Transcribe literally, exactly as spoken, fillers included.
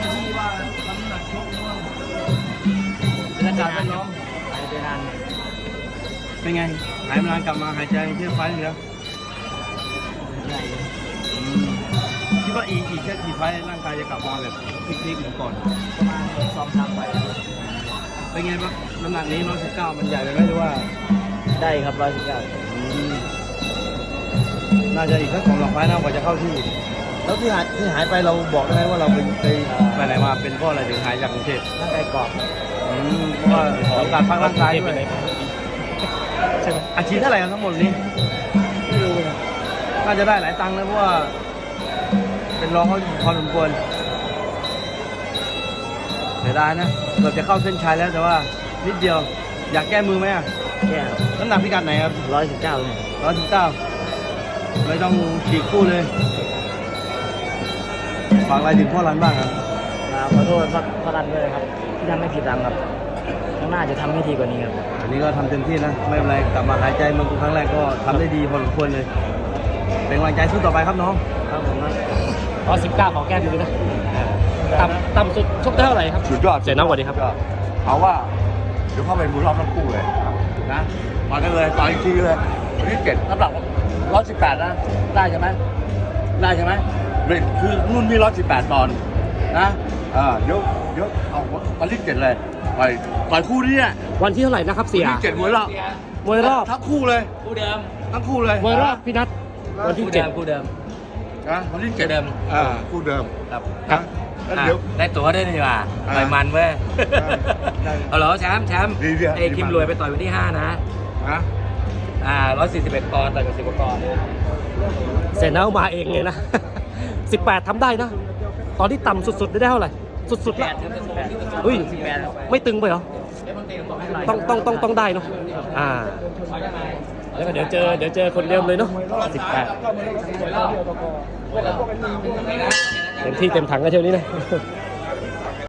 ที่ว่าน้ำหนักชกมั่งบรรยากาศเป็นน้องหายไปนานเป็นไงหายมานานกลับมาหายใจเที่ยวไฟล์เหลือใหญ่คิดว่าอีกอีกแค่กี่ไฟล์ร่างกายจะกลับมาแบบพลิกๆเหมือนก่อนประมาณสองสามไปเป็นไงบ้างน้ำหนักนี้ร้อยสิบเก้ามันใหญ่ไปไหมหรือว่าได้ครับร้อยสิบเก้าน่าจะอีกสักสองสามไฟล์น่ากว่าจะเข้าที่ แล้วที่หายที่หายไปเราบอกได้ไหมว่าเราไปไปไปไหนมาเป็นเพราะอะไรถึงหายจากกรุงเทพร่างกายกรอบอืมเพราะว่าต้องการพักร่างกายด้วยใช่ไหมอาชีพเท่าไหร่ครับทั้งหมดนี้ไม่รู้นะน่าจะได้หลายตังค์นะเพราะว่าเป็นรองเขาพอสมควรเสียดายนะเราจะเข้าเส้นชัยแล้วแต่ว่านิดเดียวอยากแก้มือไหมอ่ะแค่น้ำหนักพิกัดไหนครับร้อยสิบเก้าเลยร้อยสิบเก้าไม่ต้องฉีกคู่เลยฝากอะไรถึงพ่อรันบ้างครับขอโทษพระรันด้วยครับที่ทำให้ผิดหวังครับข้างหน้าจะทำให้ดีกว่านี้ครับอันนี้ก็ทำเต็มที่นะไม่เป็นไรกลับมาหายใจเมืองกรุงครั้งแรกก็ทำได้ดีพอสมควรเลยเป็นกำลังใจสู้ต่อไปครับน้องครับผมนะร้อยสิบเก้าของแก้มือนะต่ำต่ำสุดชกได้เท่าไหร่ครับสุดยอดเสียน้องกว่านี้ครับเอาว่าเดี๋ยวเข้าไปมือรอบทั้งคู่เลยนะต่อยกันเลยต่อยอีกทีเลยวันที่เจ็ดน้ำหนักร้อยสิบแปดนะได้ใช่ไหมได้ใช่ไหมเรทคือรุ่นนี้ร้อยสิบแปดปอนด์นะเออเดี๋ยวเดี๋ยวเอาวันที่เจ็ดเลยต่อยต่อยคู่นี้เนี่ยวันที่เท่าไหร่นะครับเสียวันที่เจ็ดมวยรอบมวยรอบทั้งคู่เลยคู่เดิมทั้งคู่เลยมวยรอบพี่นัทวันที่เจ็ดคู่เดิมนะวันที่เจ็ดเดิมอ่าคู่เดิมครับนะแล้วเดี๋ยวได้ตั๋วได้ดีกว่าอ่าไปมันเว้ยได้เอาเหรอแชมป์แชมป์ดีดีไอ้คิมรวยไปต่อยวันที่ห้านะนะอ่าร้อยสี่สิบเอ็ดปอนด์ต่อยกับสิบกว่าปอนด์เสียน้องมาเองเลยนะ สิบแปดทำได้นะ ตอนที่ต่ำสุดๆได้เท่าไหร่สุดๆละเฮ้ยไม่ตึงไปเหรอต้องต้องต้องต้องได้เนาะอ่าแล้วก็เดี๋ยวเจอเดี๋ยวเจอคนเดิมเลยเนาะสิบแปดเต็มที่เต็มถังกันเที่ยวนี้นะ